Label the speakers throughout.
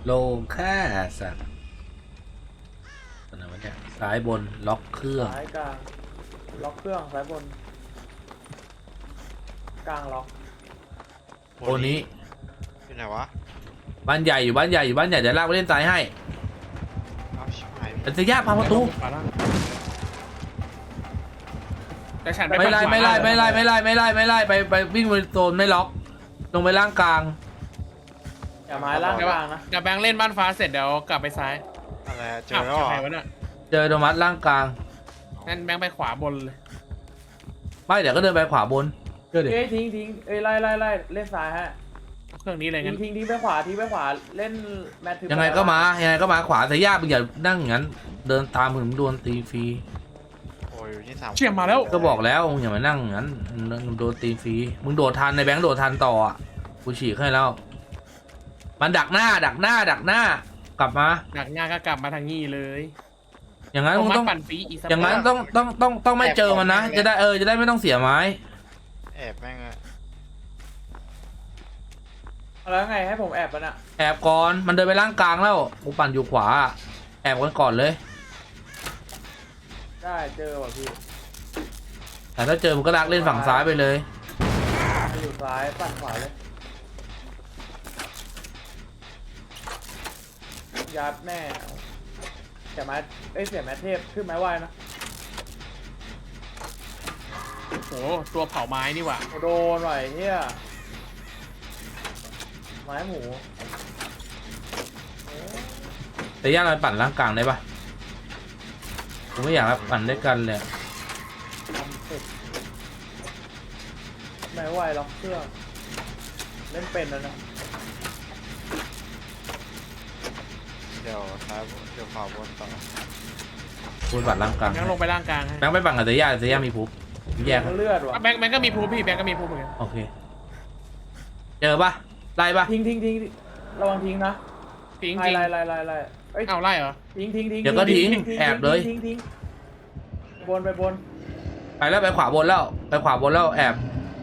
Speaker 1: โลงค่าสัตว์ตัวไหนวะเนี่ยซ้ายบนล็อกเครื่อง
Speaker 2: ซ้ายกลางล็อกเครื่องซ้ายบนกลางล็อก
Speaker 1: โอนี้
Speaker 3: อยู่ไหนวะ
Speaker 1: บ้านใหญ่อยู่บ้านใหญ่อยู่บ้านใหญ่เดี๋ยวลากไปเล่นซ้ายให้
Speaker 3: เอาชิบหาย
Speaker 1: แต่จะยากพาประตู
Speaker 4: ขวาล่างแต่ฉัน
Speaker 1: ไม่ไล่ไม่ไล่ไม่ไล่ไม่ไล่ไม่ไล่ไม่ไล่ไปวิ่งไปโซนไม่ล็อก ลงไปล่างกลาง
Speaker 2: อย่าไม้ล่างกลางนะ
Speaker 4: เดี๋ยวแบงค์เล่นบ้านฟ้าเสร็จเดี๋ยวกลับไปซ้าย
Speaker 3: อะไรอะเจ
Speaker 4: อ้า
Speaker 3: อ
Speaker 4: ว
Speaker 3: แล้วเหรอ
Speaker 4: ใครวะเนี่ย
Speaker 1: เจอโดมัสล่างกลาง
Speaker 4: งั้นแบงค์ไปขวาบนเลย
Speaker 1: ไม่เดี๋ยวก็เดินไปขวาบนเชื่อดิ
Speaker 2: เอ้ยทิ้งเอ้ยไล่เล่นซ้ายฮะ
Speaker 4: เอาเครื่องนี้เลยงั้น
Speaker 2: ทิ้งไปขวาทิ้งไปขวาเล่นแมททึบ
Speaker 1: ยังไงก็มายังไงก็มาขวาแต่ยากมึงอย่านั่งอย่างนั้นเดินตามมึงโดนตีฟรี
Speaker 3: โอ้ยอยู่นี่สาม
Speaker 4: เชี่ยมาแล้ว
Speaker 1: ก็บอกแล้วมึงอย่ามานั่งอย่างนั้นโดนตีฟรีมึงโดดทันในแบงค์โดดทันต่ออ่ะกูฉีกให้แล้วมันดักหน้ากลับมา
Speaker 4: หนักงานก็กลับมาทางนี้เลย
Speaker 1: อย่างนั้นมึงต้อง
Speaker 4: ปั่นฟรีอีกสัก
Speaker 1: อย่างนั้นต้องไม่เจอมันนะจะได้จะได้ไม่ต้องเสียไม้
Speaker 3: แอบแม่งอะ
Speaker 2: แล้วไงให้ผมแอบมันอะ
Speaker 1: แอบก่อนมันเดินไปล่างกลางแล้วกูปั่นอยู่ขวาแอบกันก่อนเลย
Speaker 2: ได้เจอว่ะพี่
Speaker 1: แต่ถ้าเจอมึงก็ลากเล่นฝั่งซ้ายไปเลย
Speaker 2: มาอยู่ซ้ายปั่นขวาเลยยัดแน่เสียไม้เสียแมทเทพขึ้นไม้ไวนะ
Speaker 4: โอ้โหตัวเผาไม้นี่หว่า
Speaker 2: โดนหน่อยเฮียไม้หมู
Speaker 1: แต่ย่าเราปั่นล่างกลางได้ปะกูไม่อยากปั่นด้วยกันเลย
Speaker 2: ทำสุดไม้ไวล็อกเครื่องเล่นเป็นแล้วนะ
Speaker 3: เดี๋ยวซ้ายบนเดี๋ยวขวาบนต่อ
Speaker 1: กูปั่นล่างกลาง
Speaker 4: แบงค์ลงไปล่างกลางให้
Speaker 1: แบงค์ไปปั่นกับแต่ย่ามีพุบแยก
Speaker 2: เลือดว่ะ
Speaker 4: แบงค์ก็มีพูพี่แบงค์ก็มีพูเหมือนกัน
Speaker 1: โอเคเจอปะไล่ปะ
Speaker 2: ทิ้งระวังทิ้งนะ
Speaker 4: ทิ้ง
Speaker 2: ไล่
Speaker 4: จริง
Speaker 2: ไล่เอ้ย
Speaker 4: เอาไล่เหรอ
Speaker 2: ทิ้ง
Speaker 1: เดี๋ยวก็ทิ้งแอบเลย
Speaker 2: ทิ้งไปบน
Speaker 1: ไปแล้วไปขวาบนแล้วไปขวาบนแล้วแอบ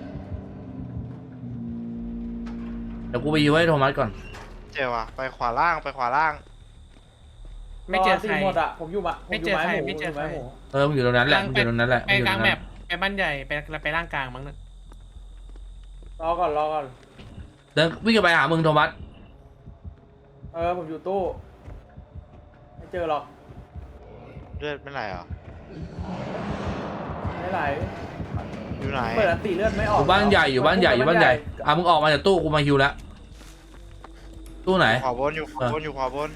Speaker 1: เดี๋ยวกูไปยื้อให้โทมัสก่อน
Speaker 3: เจอวะไปขวาล่างไปขวาล่าง
Speaker 4: ไม่เจอใคร
Speaker 2: หมดอะผมอยู่ผมอยู่ไม้หมู
Speaker 4: ไม่เจอใคร
Speaker 2: ไม้หมู
Speaker 1: มึงอยู่ตรงนั้นแหละมึงอยู่ตรงนั้นแหละ
Speaker 4: ไปกลางแมปไปบ้านใหญ่ไปล่างกลางมั้งนะ
Speaker 2: รอก่อน
Speaker 1: เดินวิ่งไปหามึงโทมัส
Speaker 2: ผมอยู่ตู้ไม่เจอหรอก
Speaker 3: เลือดไม่ไหลเหรอ
Speaker 2: ไม่ไหล
Speaker 3: อยู่ไหน
Speaker 2: เปิดอันตีเลือดไม่อ
Speaker 1: อ
Speaker 2: อก
Speaker 1: ยู่บ้านใหญ่อยู่บ้านใหญ่มึงออกมาจากตู้กูมาฮิวแล้วตู้ไหน
Speaker 3: ขวาบนอยู่ขวาบนอยู่ขวาบน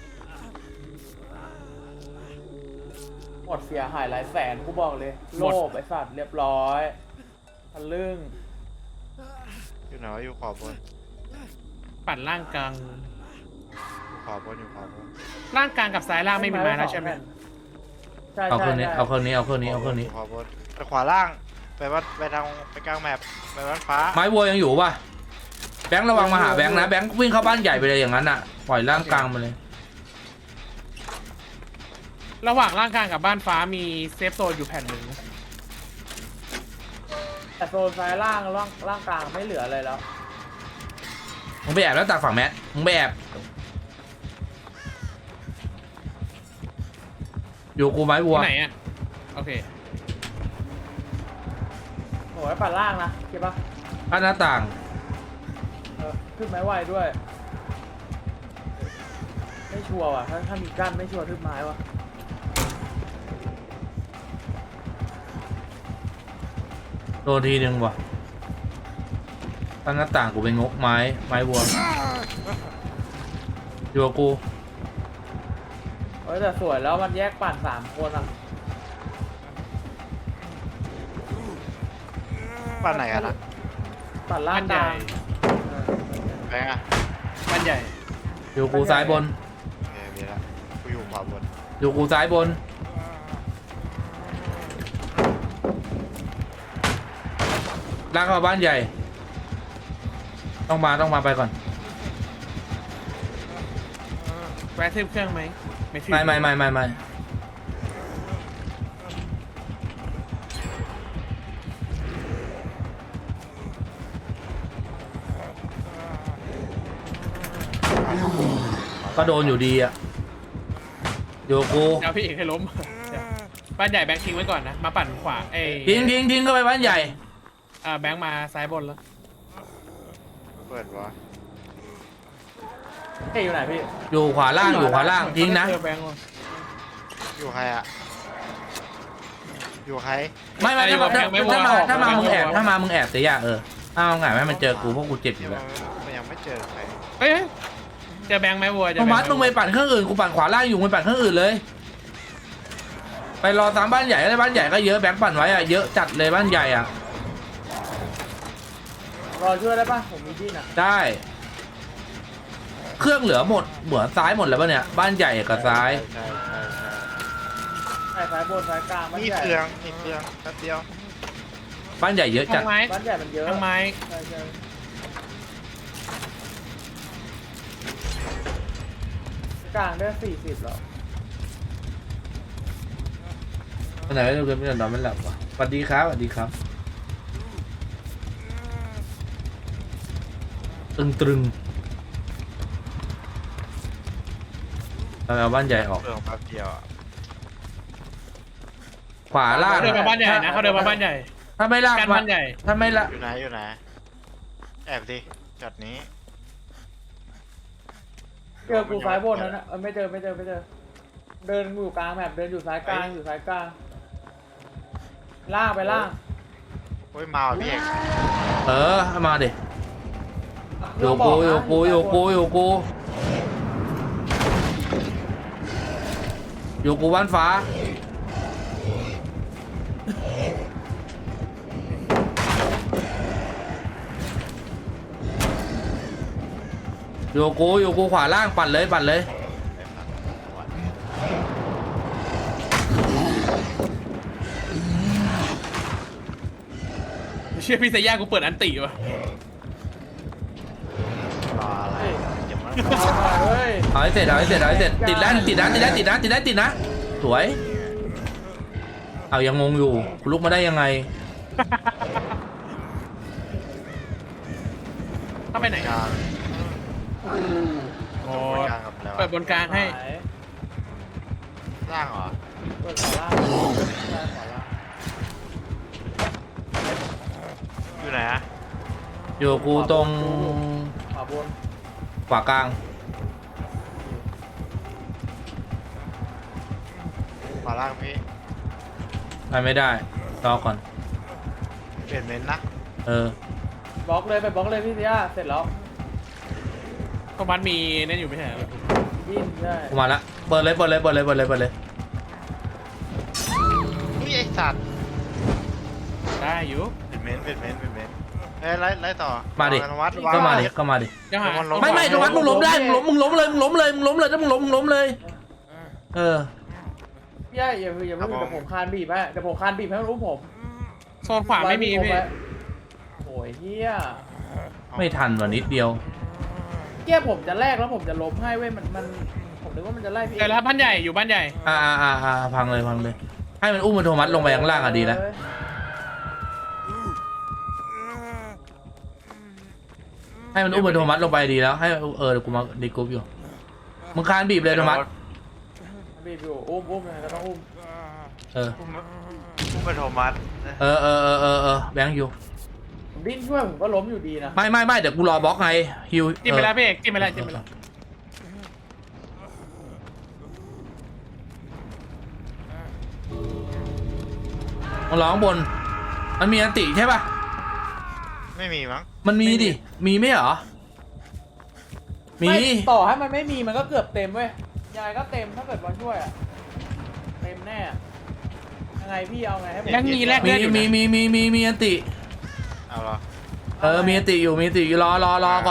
Speaker 2: หมดเสียหายหลายแสนกูบอกเลยโลภไอ้สัตว์เรียบร้อยทะลึ่ง
Speaker 3: อยู่ไหนวะอยู่ขวาบน
Speaker 4: ปั่นล่างกลาง
Speaker 3: อยู่ขวาบนอยู่ขวาบน
Speaker 4: ล่างกลางกับซ้ายล่างไม่มีไม้แล้วใช่ไหม
Speaker 2: ใช่
Speaker 1: เอาเครื่องนี้เอาเครื่องนี้เอาเครื่องนี้เอาเครื่องนี้
Speaker 3: ยู่ขวาบนไปขวาล่างไปวัดไปทางไปกลางแมปไปวัดฟ้า
Speaker 1: ไม้วัวยังอยู่ป่ะแบงค์ระวังมาหาแบงค์นะแบงค์วิ่งเข้าบ้านใหญ่ไปเลยอย่างนั้นอ่ะปล่อยล่างกลางมาเลย
Speaker 4: ระหว่างล่างกลางกับบ้านฟ้ามีเซฟโซนอยู่แผ่นหนึ่ง
Speaker 2: แต่โซนซ้ายล่างกลางไม่เหลืออะไรแล้ว
Speaker 1: มึงไปแอบแล้วตักฝั่งแมทมึงไปแอบอยู่กูไม้วัว
Speaker 4: ที่ไหนอ่ะโอเค
Speaker 2: โอ้ยปั่นล่างนะเก็บปะ
Speaker 1: บ้านหน้าต่าง
Speaker 2: ขึ้นไม้ไวด้วยไม่ชัวร์ว่ะถ้ามีกั้นไม่ชัวร์ขึ้นไม้ว่ะ
Speaker 1: โดนทีนึงว่ะบ้านหน้าต่างกูไปงกไม้วัวอยู่กับกู
Speaker 2: แต่สวยแล้วมันแยกปั่น3 คนอ่ะ
Speaker 3: บ้านไหนกันนะ
Speaker 2: ปั่นล่า
Speaker 4: บ้าง นให
Speaker 2: ก
Speaker 4: ญ่
Speaker 2: ลาง
Speaker 3: แบงค์อะ
Speaker 4: บ้านใหญ่
Speaker 1: อยู่กูซ้ายบน
Speaker 3: โอเคมีละกูอยู่ขวาบน
Speaker 1: อยู่กูซ้ายบนลากเข้าบ้านใหญ่ต้องมาไปก่อน
Speaker 4: แวะทึบเครื่องไหมไม่ทึบ
Speaker 1: ไม่ก็โดนอยู่ดีอะโยกู
Speaker 4: เดี๋ยวพี่เอกให้ล้มเดี๋ยวบ้านใหญ่แบงค์ทิ้งไว้ก่อนนะมาปั่นขวา
Speaker 1: ทิ้งเข้าไปบ้านใหญ่
Speaker 4: แบงค์มาซ้ายบนแล้ว
Speaker 3: เปิดวะ
Speaker 2: เฮ้ยอยู่ไหนพี่
Speaker 1: อยู่ขวาล่างทิ้งนะ
Speaker 4: เจอแบงค์ว่ะ
Speaker 3: อยู่ใครอะอยู่ใคร
Speaker 1: ไม่ถ้ามามึงแอบเสียอย่างถ้ามึงแอบให้มันเจอกูพวกกูเจ็บอยู่แล้ว
Speaker 3: มันยังไม่เจอใคร
Speaker 4: เอ้ยเจอแบงค์ไหมวัวเจอ
Speaker 1: โท
Speaker 4: แบงค์
Speaker 1: มัสมึงไปปั่นเครื่องอื่นกูปั่นขวาล่างอยู่มึงปั่นเครื่องอื่นเลย ไปรอตามบ้านใหญ่ก็ได้บ้านใหญ่ก็เยอะแบงค์ปั่นไว้อะเยอะจัดเลยบ้านใหญ่อะ
Speaker 2: รอช่วยได้ปะผมมีดิ้นอ่ะ
Speaker 1: ได้ เครื่องเหลือหมดเหมือนซ้ายหมดแล้วป่ะเนี่ยบ้านใหญ่กับซ้าย
Speaker 3: ใช่
Speaker 2: ใช่ซ้ายบนซ้ายกลางบ้าน
Speaker 3: มี
Speaker 2: ใหญ่
Speaker 3: เครื่องมีเครื่องแป๊บเดียว
Speaker 1: บ้านใหญ่เยอะจัด
Speaker 4: ทางไม้
Speaker 2: บ้านใหญ่มันเยอะ
Speaker 4: ทางไม้
Speaker 2: ใช่กลางได้40แล้ว
Speaker 1: วันไหนเราเกินไม่นอนไม่หลับวะสวัสดีครับตรึงเราเอาบ้านใหญ่ออก
Speaker 3: เครื่องแป๊บเดียวอะ
Speaker 1: ขวาล่าง
Speaker 4: เขาเดินมาบ้านใหญ่นะเขาเดินมาบ้านใหญ่
Speaker 1: ถ้าไม่ล่าง
Speaker 4: กันบ้านใหญ่
Speaker 1: ถ้าไม่ละ
Speaker 3: อยู่ไหนแอบดิจัดนี้
Speaker 2: เจอกูซ้ายบนนั้นนะไม่เจอเดินอยู่กลางแมปเดินอยู่ซ้ายกลางล่างไปล่าง
Speaker 3: โอ้ยมาว่ะพี่เอก
Speaker 1: เอามาดิโยกูบ้านฟ้าโยกูขวาล่างปั่นเลย
Speaker 4: เชื่อพี่เซย่ากูเปิดอันติว่ะ
Speaker 3: รออะไรอย่ามา
Speaker 2: เฮ้ย
Speaker 1: เอาให้เสร็จติดนะสวยเอายังงงอยู่กูลุกมาได้ยังไง
Speaker 4: เข้าไปไหน
Speaker 3: กลาง
Speaker 4: โอ้
Speaker 3: กลางกับแล้ว
Speaker 4: เปิดบนกลางให้
Speaker 3: ล่างเหรอ
Speaker 2: เปิดขวาล่าง
Speaker 3: อยู่ไหนอะ
Speaker 1: โยกูตรง
Speaker 2: ขวาบน
Speaker 1: ขวากลาง
Speaker 3: ขวาล่างพี่
Speaker 1: ไปไม่ได้รอก่อน
Speaker 3: เปลี่ยนเมนนะ
Speaker 2: บล็อกเลยไปบล็อกเลยพี่เสียเสร็จแล้ว
Speaker 4: โทมัสมีนั่นอยู่ไม่ใช่เหรอ
Speaker 2: ดิ้นใช่
Speaker 1: กูมาละเปิดเลย
Speaker 3: อุ้ยไอสัตว์
Speaker 4: ได้อยู่
Speaker 3: เปลี่ยนเมนเอ้ยไล่ต่อ
Speaker 1: มาดิ
Speaker 3: ธนวัฒน์
Speaker 1: ก็มาดิ
Speaker 4: ยังหา
Speaker 1: ไม่ตรงนั้นมึงล้มได้มึงล้มเลยถ้ามึงล้มเลย
Speaker 2: พี่อย่าเพิ่งเดี๋ยวผมคานบีบให้มันรู้ผม
Speaker 4: โซนขวาไม่มีพี่
Speaker 2: โอ้ยเฮีย
Speaker 1: ไม่ทันวันนิดเดียว
Speaker 2: เกี้ยผมจะแลกแล้วผมจะล้มให้เว้ยมันผมนึกว่ามันจะไล่พี่
Speaker 4: เจอแล้วบ้านใหญ่อยู่บ้านใหญ่
Speaker 1: พังเลยให้มันอุ้มมันโทมัสลงไปข้างล่างดีแล้วให้มันอุ้มมันโทมัสลงไปดีแล้วให้เดี๋ยวกูมาดีกรุ๊ปอยู่มึงคานบีบเลยโทมัส
Speaker 2: บีบอยู่อุ้มยังไงก็ต้องอุ้ม
Speaker 3: ผู้เป็นโทมัส
Speaker 1: แบงค์อยู่
Speaker 2: ผมดิ้นช่วยผมก็ล้มอยู่ดีนะ
Speaker 1: ไม่เดี๋ยวกูรอบล็อกไงฮิว
Speaker 4: จิ้มไปแล้วพี่เอกจิ้มไปแล้ว
Speaker 1: มันร้องบนมันมีอันติใช่ป่ะ
Speaker 3: ไม่มีมั้ง
Speaker 1: มันมีดิมีไหมเหรอมี
Speaker 2: ต่อให้มันไม่มีมันก็เกือบเต็มเว้ยยังไงก็เต็มถ้าเกิดบอลช่วยอะเต็มแน่ยังไงพี่เอาไงให้ผม
Speaker 4: ยังมีแลก
Speaker 1: มี
Speaker 4: เลือดอยู่นะ
Speaker 1: มีอันติ
Speaker 3: เอาเหรอ
Speaker 1: มีอันติอยู่รอก่อน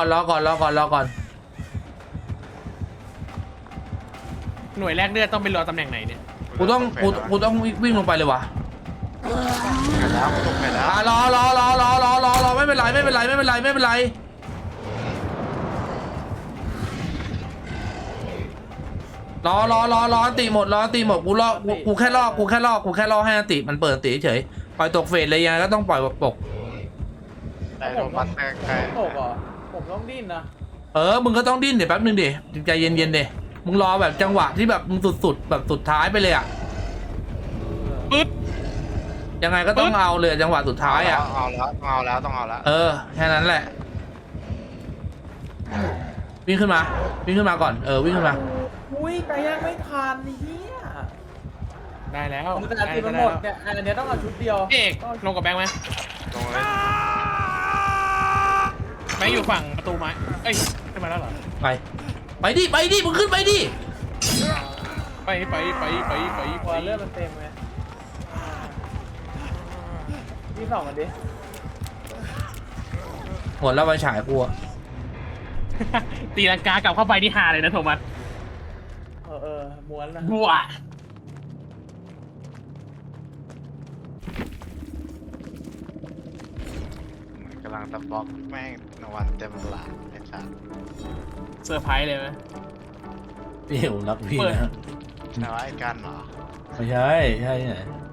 Speaker 4: หน่วยแลกเลือดต้องไปรอตำแหน่งไหนเนี่ย
Speaker 1: กูต้องวิ่งลงไปเลยวะ
Speaker 3: ไปแล้วตกไปแล้ว
Speaker 1: รอไม่เป็นไรรออันติหมดกูแค่รอให้อันติมันเปิดอันติเฉยปล่อยตกเฟสเลยยังไงก็ต้องปล่อยตก
Speaker 3: แต่โทมัสใกล้
Speaker 2: ตกเหรอผมต้องดิ้นนะ
Speaker 1: มึงก็ต้องดิ้นเดี๋ยวแป๊บนึงดิใจเย็นๆเดมึงรอแบบจังหวะที่แบบมึงสุดๆแบบสุดท้ายไปเลยอ่ะ
Speaker 4: ปึ๊ด
Speaker 1: ยังไงก็ต้องเอาเลยจังหวะสุดท้ายอ่ะ
Speaker 3: เอาแล้วต้องเอาแล้ว
Speaker 1: แค่นั้นแหละวิ่งขึ้นมาก่อนวิ่งขึ้นมา
Speaker 2: อุ้ยไก่ย่างไม่ทันไอ้เหี้ย
Speaker 4: ได้แล้ว
Speaker 2: แต่ตีมันหมดเนี่ยอันเนี้ยต้องเอาชุดเดียว
Speaker 4: พี่เอกลงกับแบงค์ไหม
Speaker 3: ลงเลย
Speaker 4: แบงค์อยู่ฝั่งประตูไม้เอ้ยขึ้นมาแล้วเหรอ
Speaker 1: ไปดิมึงขึ้นไปดิ
Speaker 4: ไป
Speaker 2: ตัวเลือดมันเต็มไงพี่ส่องมันดิ
Speaker 1: หมดแล้วไฟฉายกูอะ
Speaker 4: ตีลังกากลับเข้าไปที่หาเลยนะโทมัส
Speaker 2: ม้วนนะ
Speaker 4: บัว
Speaker 3: กำลังตะบล็อกแม่งนวันเต็มหลังไอ้สัส
Speaker 4: เซอร์ไพรส์เลยไหม
Speaker 1: พี่ผมรักพี่นะ
Speaker 3: แต่ว่าไอ้กันเหรอ
Speaker 1: ไม่ใช่ไหน